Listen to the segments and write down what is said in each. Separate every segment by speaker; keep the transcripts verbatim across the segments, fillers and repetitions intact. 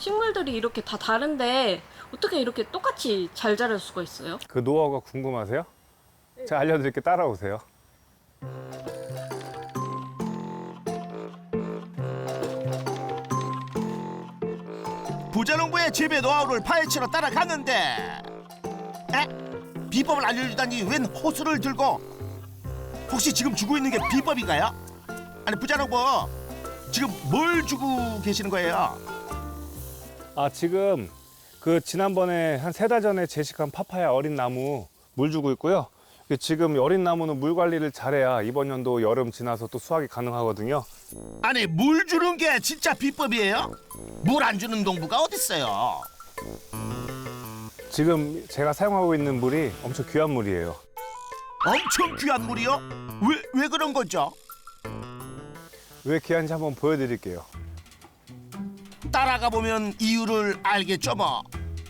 Speaker 1: 식물들이 이렇게 다 다른데 어떻게 이렇게 똑같이 잘 자랄 수가 있어요?
Speaker 2: 그 노하우가 궁금하세요? 제가 알려드릴게 따라오세요.
Speaker 3: 부자농부의 재배 노하우를 파헤치러 따라갔는데 에? 비법을 알려주다니 웬 호수를 들고 혹시 지금 주고 있는 게 비법인가요? 아니 부자농부 지금 뭘 주고 계시는 거예요?
Speaker 2: 아, 지금 그 지난번에 한 세 달 전에 제식한 파파야 어린 나무 물 주고 있고요. 지금 어린 나무는 물 관리를 잘해야 이번 연도 여름 지나서 또 수확이 가능하거든요.
Speaker 3: 아니 물 주는 게 진짜 비법이에요? 물 안 주는 농부가 어딨어요?
Speaker 2: 지금 제가 사용하고 있는 물이 엄청 귀한 물이에요.
Speaker 3: 엄청 귀한 물이요? 왜, 왜 그런 거죠?
Speaker 2: 왜 귀한지 한번 보여드릴게요.
Speaker 3: 따라가 보면 이유를 알겠죠 뭐.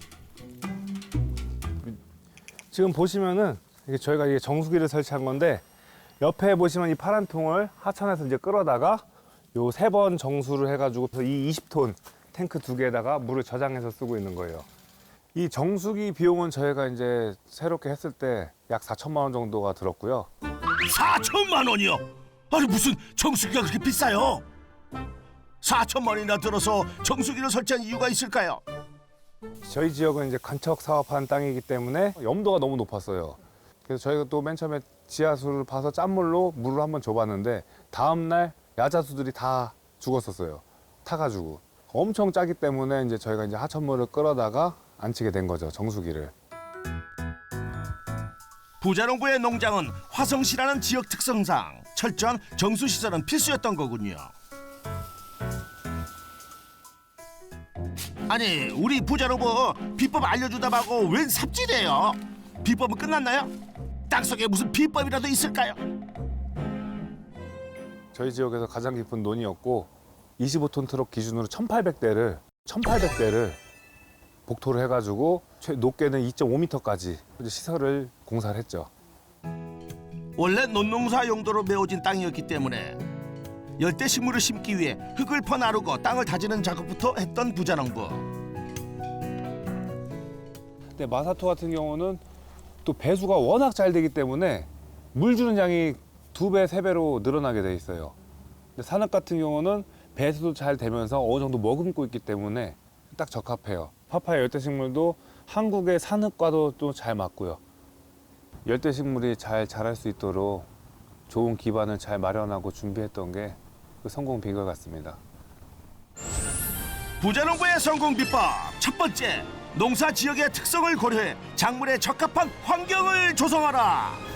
Speaker 2: 지금 보시면은 이게 저희가 이게 정수기를 설치한 건데 옆에 보시면 이 파란 통을 하천에서 이제 끌어다가 요 세 번 정수를 해가지고 이 이십 톤 탱크 두 개에다가 물을 저장해서 쓰고 있는 거예요. 이 정수기 비용은 저희가 이제 새롭게 했을 때 약 사천만 원 정도가 들었고요.
Speaker 3: 사천만 원이요? 아니 무슨 정수기가 그렇게 비싸요? 사천만 원이나 들어서 정수기를 설치한 이유가 있을까요?
Speaker 2: 저희 지역은 이제 간척 사업하는 땅이기 때문에 염도가 너무 높았어요. 그래서 저희가 또 맨 처음에 지하수를 파서 짠물로 물을 한번 줘봤는데 다음날 야자수들이 다 죽었었어요. 타가지고. 엄청 짜기 때문에 이제 저희가 이제 하천물을 끌어다가 안치게 된 거죠, 정수기를.
Speaker 3: 부자농부의 농장은 화성시라는 지역 특성상 철저한 정수시설은 필수였던 거군요. 아니 우리 부자농부 비법 알려주다 말고 웬 삽질이에요? 비법은 끝났나요? 땅속에 무슨 비법이라도 있을까요?
Speaker 2: 저희 지역에서 가장 깊은 논이었고 이십오 톤 트럭 기준으로 천팔백 대를 천팔백 대를 복토를 해가지고 최 높게는 이 점 오 미터까지 시설을 공사를 했죠.
Speaker 3: 원래 논농사 용도로 메워진 땅이었기 때문에 열대 식물을 심기 위해 흙을 퍼나르고 땅을 다지는 작업부터 했던 부자농부.
Speaker 2: 근데 마사토 같은 경우는 또 배수가 워낙 잘 되기 때문에 물 주는 양이 두 배, 세 배로 늘어나게 돼 있어요. 근데 산업 같은 경우는 배수도 잘 되면서 어느 정도 머금고 있기 때문에 딱 적합해요. 파파야 열대식물도 한국의 산업과도 또 잘 맞고요. 열대식물이 잘 자랄 수 있도록 좋은 기반을 잘 마련하고 준비했던 게 그 성공 비결 같습니다.
Speaker 3: 부자농부의 성공 비법 첫 번째, 농사 지역의 특성을 고려해 작물에 적합한 환경을 조성하라.